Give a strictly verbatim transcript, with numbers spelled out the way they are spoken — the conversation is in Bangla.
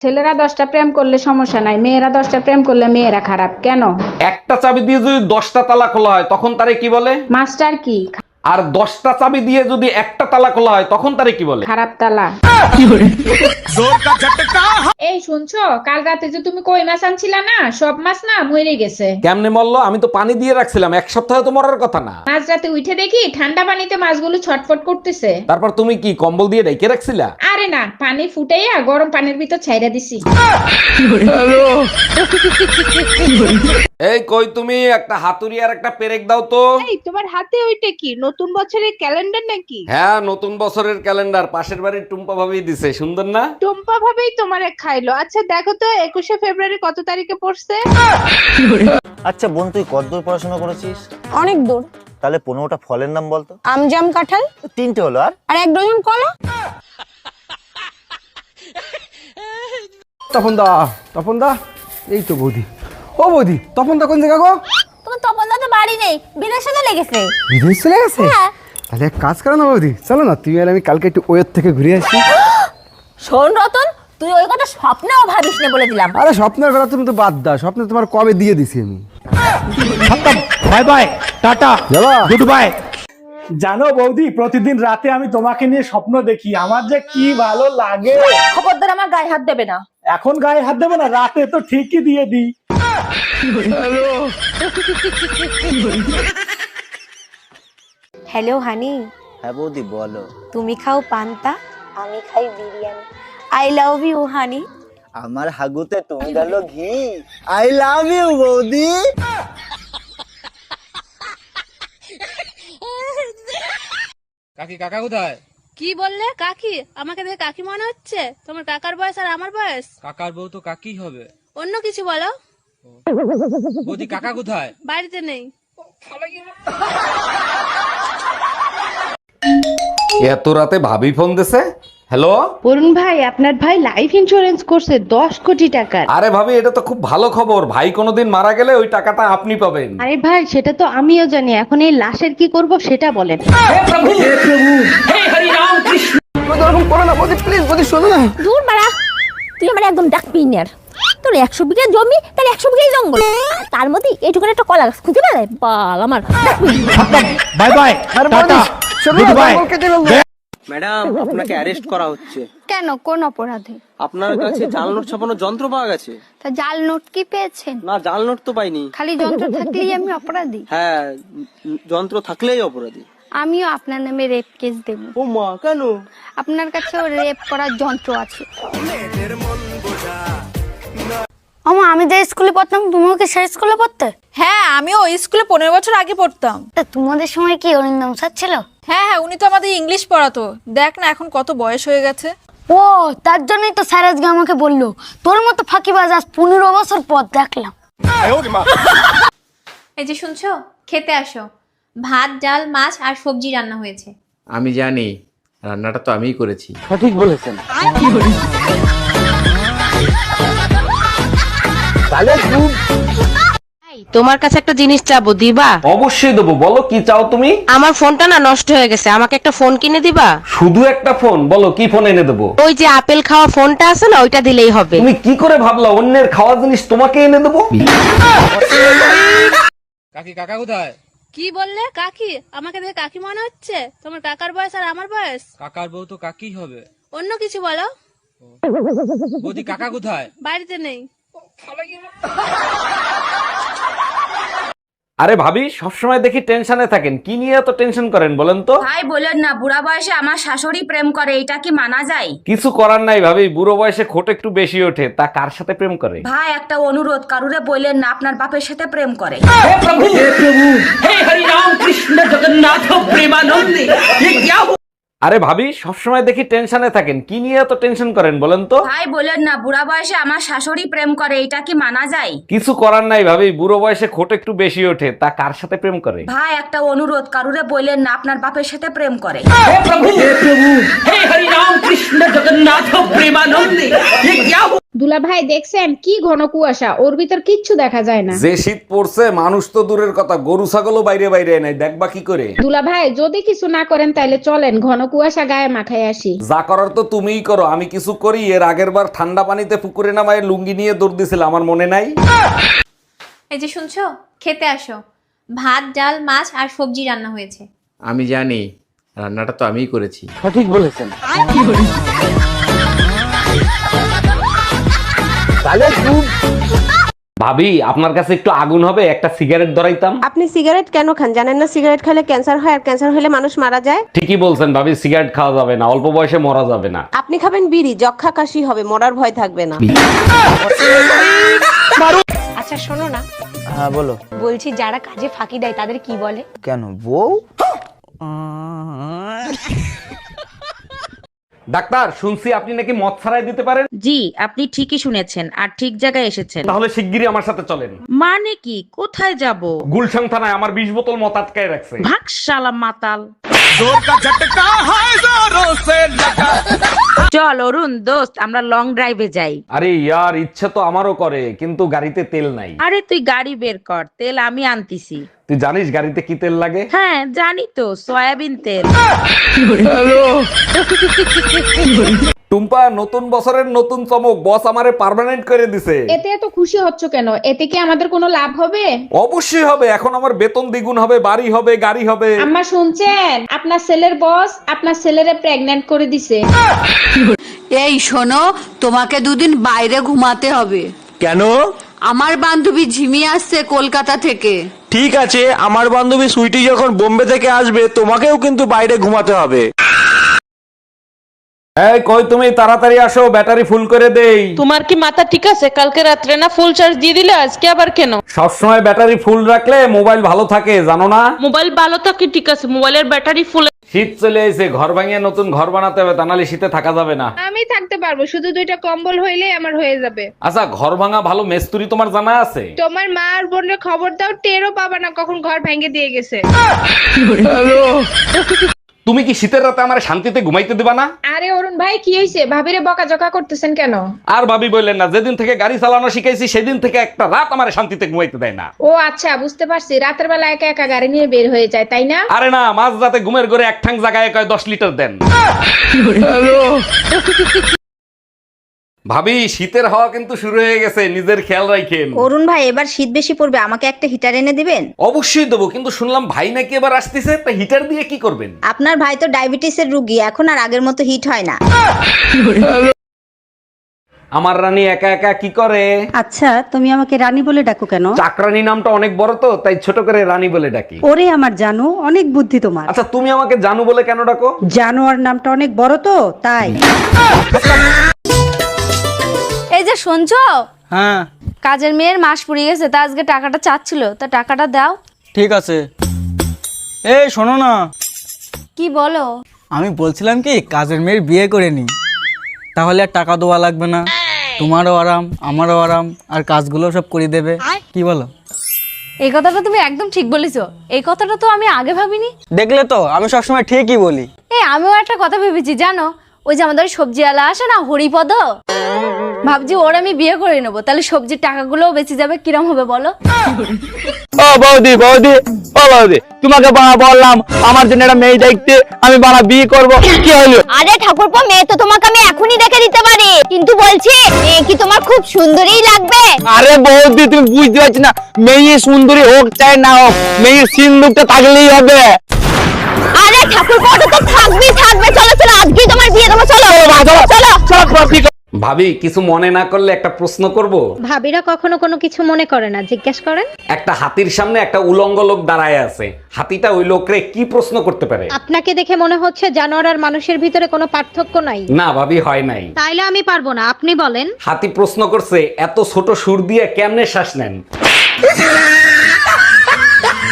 ছেলেরা দশটা প্রেম করলে সমস্যা নাই, মেয়েরা দশটা প্রেম করলে মেয়েরা খারাপ কেন? একটা চাবি দিয়ে যদি দশটা তালা খোলা হয় তখন তারে কি বলে? মাস্টার কি? আর দশটা চাবি দিয়ে যদি একটা তালা খোলা হয় তখন তারে কি বলে? খারাপ তালা। এই শুনছো, কাল রাতে যে তুমি কই মাছ আনছিলা না, সব মাছ না মরে গেছে। কেমনে মরলো? আমি তো পানি দিয়ে রাখছিলাম, এক সপ্তাহে তো মরার কথা না। মাঝ রাতে উঠে দেখি ঠান্ডা পানিতে মাছগুলো ছটফট করতেছে। তারপর তুমি কি কম্বল দিয়ে ঢেকে রাখছিলা? আরে না, পানি ফুটাইয়া গরম পানির ভিতর ছাইরা দিছি। এই কই তুমি, একটা হাতুড়ি আর একটা পেরেক দাও তো। এই তোমার হাতে ওইটা কি, নতুন বছরের ক্যালেন্ডার নাকি? হ্যাঁ, নতুন বছরের ক্যালেন্ডার, পাশের বাড়ির টুম্পা ভাবি দিছে, সুন্দর না? টুম্পা ভাবেই তোমারে খাইলো। আচ্ছা দেখো তো একুশে ফেব্রুয়ারি কত তারিখে পড়ছে? আচ্ছা বোন, তুই কতদূর পড়াশোনা করেছিস? অনেক দূর। তাহলে পনেরোটা ফলের নাম বলতো। আম, জাম, কাঁঠাল তিনটে হলো, আর আর এক ডজন কলা। তপন দা, তপন দা, এই তো বৌদি। ও বৌদি, তপন দা কোন জায়গা গো? তোমার তপন দা তো বাড়ি নেই, বিদেশে চলে গেছে। বিদেশ চলে গেছে? হ্যাঁ। তাহলে এক কাজ করো না বৌদি, চলো না তুমি আর আমি কালকে একটু ওয়ের থেকে ঘুরে আসি। শোন রতন, তুই ওই কথা স্বপ্নেও ভাবিস না বলে দিলাম। আরে স্বপ্নের কথা তুমি তো বাদ দাও, স্বপ্নে তোমার কবে দিয়ে দিছি আমি। বাই বাই, টাটা, যাবা? Good bye. জানো বৌদি, প্রতিদিন রাতে আমি তোমাকে নিয়ে স্বপ্ন দেখি, আমার যে কি ভালো লাগে। খবরদার আমার গায়ে হাত দেবে না। এখন গায়ে হাত দেবো না, রাতে তো ঠিকই দিয়ে দিই। হ্যালো হানি, হ্যাঁ বৌদি বলো। তুমি খাও পান্তা, আমি খাই biryani. I love you honey. আমার হাগুতে তুমি গেল ঘি। আই লাভ ইউ বৌদি। কাকি, কাকা কোথায়? কি বললে? কাকি? আমাকে দেখে কাকি মনে হচ্ছে? তোমার কাকার বয়স আর আমার বয়স। কাকার বউ তো কাকি হবে। অন্য কিছু বলো। বৌদি, কাকা কোথায়? বাড়িতে নেই। এত রাতে ভাবি ফোন দিছে। হ্যালো। অরুণ ভাই, আপনার ভাই লাইফ ইন্স্যুরেন্স করছে দশ কোটি টাকার। আরে ভাবি, এটা তো খুব ভালো খবর। ভাই কোনোদিন মারা গেলে ওই টাকাটা আপনি পাবেন। আরে ভাই, সেটা তো আমিও জানি, এখন এই লাশের কি করব সেটা বলেন। ওরকম করো না বৌদি, প্লিজ বৌদি, শোনো না। দূর বাড়া, তুই আমার একদম ডাকবি না। তোর একশো বিঘা জমি, তার একশো বিঘাই জঙ্গল, তার মধ্যে এইটুকুন একটা কলা গাছ খুঁজে বেড়ায়। বাল আমার। বাই বাই, আরে বৌদি, টাটা, শোনো গুড না, বাই। জঙ্গল কেটে ফেলবো। ম্যাডাম, আপনাকে অ্যারেস্ট করা হচ্ছে। কেন, কোন অপরাধে? আপনার কাছে জাল নোট ছাপানোর যন্ত্র পাওয়া গেছে। তা জাল নোট কি পেয়েছেন? না, জাল নোট তো পাইনি। খালি যন্ত্র থাকলেই আমি অপরাধী? হ্যাঁ, উম, যন্ত্র থাকলেই অপরাধী। আমিও আপনার নামে রেপ কেস দেব। ও মা, কেন? আপনার কাছেও রেপ করার যন্ত্র আছে। আমা, আমি যে স্কুলে পড়তাম, তুমিও কি সেই স্কুলে পড়তে? হ্যাঁ, আমিও ওই স্কুলে পনেরো বছর আগে পড়তাম। তা তোমাদের সময় কি অরিন্দম স্যার ছিল? হ্যাঁ হ্যাঁ, উনি তো আমাদের ইংলিশ পড়াতো। দেখ না এখন কত বয়স হয়ে গেছে। ও, তার জন্যই তো স্যার আজকে আমাকে বললো তোর মতো ফাঁকিবাজ আজ পনেরো বছর পর দেখলাম। এই যে শুনছো, খেতে আসো। ভাত, ডাল, মাছ আর সবজি রান্না হয়েছে। আমি জানি, রান্নাটা তো আমিই করেছি। সঠিক বলেছেন। তোমার কাছে একটা জিনিস চাবো, দিবা? অবশ্যই দেবো, বলো কি চাও তুমি? আমার ফোনটা না নষ্ট হয়ে গেছে, আমাকে একটা ফোন কিনে দিবা? শুধু একটা ফোন? বলো কি ফোন এনে দেবো। ওই যে আপেল খাওয়া ফোনটা আছে না, ওইটা দিলেই হবে। তুমি কি করে ভাবলা অন্যের খাওয়া জিনিস তোমাকে এনে দেবো? কাকি, কাকা কোথায়? কি বললে? কাকি? আমাকে দেখে কাকি মনে হচ্ছে? তোমার কাকার বয়স আর আমার বয়স। কাকার বউ তো কাকি হবে। অন্য কিছু বলো। বৌদি, কাকা কোথায়? বাড়িতে নেই। আরে ভাবি, সবসময় দেখি টেনশনে থাকেন, কি নিয়ে এত টেনশন করেন বলেন তো? ভাই বলেন না, বুড়া বয়সে আমার শাশুড়ি প্রেম করে, এটা কি মানা যায়? কিছু করার নাই ভাবি, বুড়ো বয়সে খোট একটু বেশি ওঠে। তা কার সাথে প্রেম করে? ভাই একটা অনুরোধ, কারুরে বললেন না আপনার বাপের সাথে প্রেম করে। আরে ভাবি, সবসময় দেখি টেনশনে থাকেন, কি নিয়ে এত টেনশন করেন বলেন তো? ভাই বলেন না, বুড়া বয়সে আমার শাশুড়ি প্রেম করে, এটা কি মানা যায়? কিছু করার নাই ভাবি, বুড়ো বয়সে খোট একটু বেশি ওঠে। তা কার সাথে প্রেম করে? ভাই একটা অনুরোধ, কারুরে বললেন না আপনার বাপের সাথে প্রেম করে। দুলা ভাই দেখছেন কি ঘন কুয়াশা, ওর ভিতর কিচ্ছু দেখা যায় না। যে শীত পড়ছে মানুষ তো দূরের কথা, গরু ছাগলও বাইরে বাইরে নাই, দেখবা কি করে? দুলা ভাই যদি কিছু না করেন তাইলে চলেন ঘন কুয়াশা গায়ে মাখায় আসি। যা করার তো তুমিই করো, আমি কিছু করি? এর আগের বার ঠান্ডা পানিতে পুকুরে নামায় লুঙ্গি নিয়ে দৌড় দিছিল, আমার মনে নাই? এই যে শুনছো, খেতে আসো। ভাত ডাল মাছ আর সবজি রান্না হয়েছে। আমি জানি, রান্নাটা তো আমিই করেছি। সঠিক বলেছেন। ভাবি আপনার কাছে একটু আগুন হবে, একটা সিগারেট ধরাইতাম। আপনি সিগারেট কেন খান জানেন না? সিগারেট খেলে ক্যান্সার হয়, আর ক্যান্সার হলে মানুষ মারা যায়। ঠিকই বলছেন ভাবি, সিগারেট খাওয়া যাবে না, অল্প বয়সে মরা যাবে না। আপনি খাবেন বিড়ি, যক্ষা কাশি হবে, মরার ভয় থাকবে না। আচ্ছা শোনো না, হ্যাঁ বলো। বলছি যারা কাজে ফাঁকি দেয় তাদের কি বলে? কেন বউ? ডাক্তার, শুনছি আপনি নাকি মদ ছাড়াই দিতে পারেন। জি, আপনি ঠিকই শুনেছেন আর ঠিক জায়গায় এসেছেন। তাহলে শিগগিরই আমার সাথে চলেন। মানে কি, কোথায় যাব? গুলশান থানায় আমার বিশ বোতল মদ আটকায় রাখছে। ভাগ শালা মাতাল। চল অরুণ দোস্ত, আমরা লং ড্রাইভে যাই। আরে ইয়ার, ইচ্ছে তো আমারও করে, কিন্তু গাড়িতে তেল নাই। আরে তুই গাড়ি বের কর, তেল আমি আনতিছি। তুই জানিস গাড়িতে কি তেল লাগে? হ্যাঁ জানি তো, সয়াবিন তেল। টুম্পা, নতুন বছরের নতুন চমক, বস আমারে পার্মানেন্ট করে দিছে। এতে এত খুশি হচ্ছ কেন? এতে কি আমাদের কোনো লাভ হবে? অবশ্যই হবে, এখন আমার বেতন দ্বিগুণ হবে, বাড়ি হবে, গাড়ি হবে। আম্মা শুনছেন, আপনার ছেলের বস আপনার ছেলেরে প্রেগন্যান্ট করে দিছে। এই শোনো, তোমাকে দুদিন বাইরে ঘুমাতে হবে। কেন? আমার বান্ধবী ঝিমি আসছে কলকাতা থেকে। ঠিক আছে, আমার বান্ধবী সুইটি যখন বোম্বে থেকে আসবে তোমাকেও কিন্তু বাইরে ঘুমাতে হবে। এই কই তুমি, তাড়াতাড়ি আসো, ব্যাটারি ফুল করে দেই। তোমার কি মাথা ঠিক আছে? কালকে রাত্রে না ফুল চার্জ দিয়ে দিলে, আজকে আবার কেন? সবসময় ব্যাটারি ফুল রাখলে মোবাইল ভালো থাকে, জানো না? মোবাইল ভালো থাকে ঠিক আছে, মোবাইলের ব্যাটারি ফুল। শীত চলে এসে, ঘর ভাঙিয়ে নতুন ঘর বানাতে হবে, তা নাহলে শীতে থাকা যাবে না। আমি থাকতে পারবো, শুধু দুইটা কম্বল হইলেই আমার হয়ে যাবে। আচ্ছা, ঘর ভাঙা ভালো মেস্তুরি তোমার জানা আছে? তোমার মা আর বোনের খবর দাও, টেরও পাবা না কখন ঘর ভেঙে দিয়ে গেছে। তুমি কি শীতের রাতে আমার শান্তিতে ঘুমাইতে দিবা না? আরে অরুণ ভাই, কি হয়েছে? ভাবিরে বকাঝকা করতেছেন কেন? আর ভাবি বললেন না, যেদিন থেকে গাড়ি চালানো শিখাইছি সেদিন থেকে একটা রাত আমার শান্তিতে ঘুমাইতে দেয় না। ও আচ্ছা, বুঝতে পারছি, রাতের বেলা একা একা গাড়ি নিয়ে বের হয়ে যায়, তাই না? আরে না, মাঝ রাতে ঘুমের ঘরে এক ঠাং জায়গায় কয় দশ লিটার দেন। ভাবি, শীতের হাওয়া কিন্তু শুরু হয়ে গেছে, নিজের খেয়াল রাখেন। অরুণ ভাই, এবার শীত বেশি পড়বে, আমাকে একটা হিটার এনে দিবেন? অবশ্যই দেবো, কিন্তু শুনলাম ভাই নাকি এবার আসতেছে, তা হিটার দিয়ে কি করবেন? আপনার ভাই তো ডায়াবেটিসের রোগী, এখন আর আগের মতো হিট হয় না। আমার রানী একা একা কি করে? আচ্ছা, তুমি আমাকে রানী বলে ডাকো কেন? চাকরানী নামটা অনেক বড় তো, তাই ছোট করে রানী বলে ডাকি। ওরে আমার জানো, অনেক বুদ্ধি তোমার। আচ্ছা, তুমি আমাকে জানু বলে কেন ডাকো? জানোয়ার নামটা অনেক বড় তো, তাই। এই যে শুনছো, হ্যাঁ কাজের মেয়ের মাস পুড়িয়ে গেছে, তা আজকে টাকাটা চাচ্ছিল, তা টাকাটা দাও। ঠিক আছে। এই শোনো না, কি বলো? আমি বলছিলাম কি, কাজের মেয়ের বিয়ে করে নি, তাহলে আর টাকা দেওয়া লাগবে না, তোমারও আরাম আমারও আরাম, আর কাজগুলো সব করে দেবে। কি বলো? এই কথাটা তুমি একদম ঠিক বলেছো, এই কথাটা তো আমি আগে ভাবিনি। দেখলে তো, আমি সবসময় ঠিকই বলি। এই আমিও একটা কথা ভেবেছি জানো, ওই যে আমাদের সবজিওয়ালা আসে না, হরিপদ, ভাবছি ওর আমি বিয়ে করে নেবো, তাহলে সবজির টাকাগুলোও বেঁচে যাবে। কিরম হবে বলো? ও বৌদি, বৌদি, ও বৌদি, তোমাকে বাবা বললাম আমার জন্য একটা মেয়ে দেখতে, আমি বাবা বিয়ে করব, কি হলো? আরে ঠাকুরপো, মেয়ে তো তোমাকে আমি এখনই দেখে দিতে পারি, কিন্তু বলছি মেয়ে কি তোমার খুব সুন্দরই লাগবে? আরে বৌদি, তুমি বুঝতে পারছি না, মেয়ে সুন্দরী হোক চাই না হোক, মেয়ের সিন্দুকটা থাকলেই হবে। আরে ঠাকুরপো, ওটা তো থাকবেই থাকবে। চলো চলো, আজকেই তোমার বিয়ে দেবো, চলো চলো চলো। ভাবি, কিছু মনে না করলে একটা প্রশ্ন করব? ভাবিরা কখনো কোনো কিছু মনে করে না, জিজ্ঞেস করেন। একটা হাতির সামনে একটা উলঙ্গ লোক দাঁড়ায় আছে, হাতিটা ওই লোকরে কি প্রশ্ন করতে পারে? আপনাকে দেখে মনে হচ্ছে জানোয়ার আর মানুষের ভিতরে কোনো পার্থক্য নাই। না ভাবি, হয় নাই। তাইলে আমি পারবো না, আপনি বলেন। হাতি প্রশ্ন করছে, এত ছোট সুর দিয়ে কেমনে শ্বাস নেন?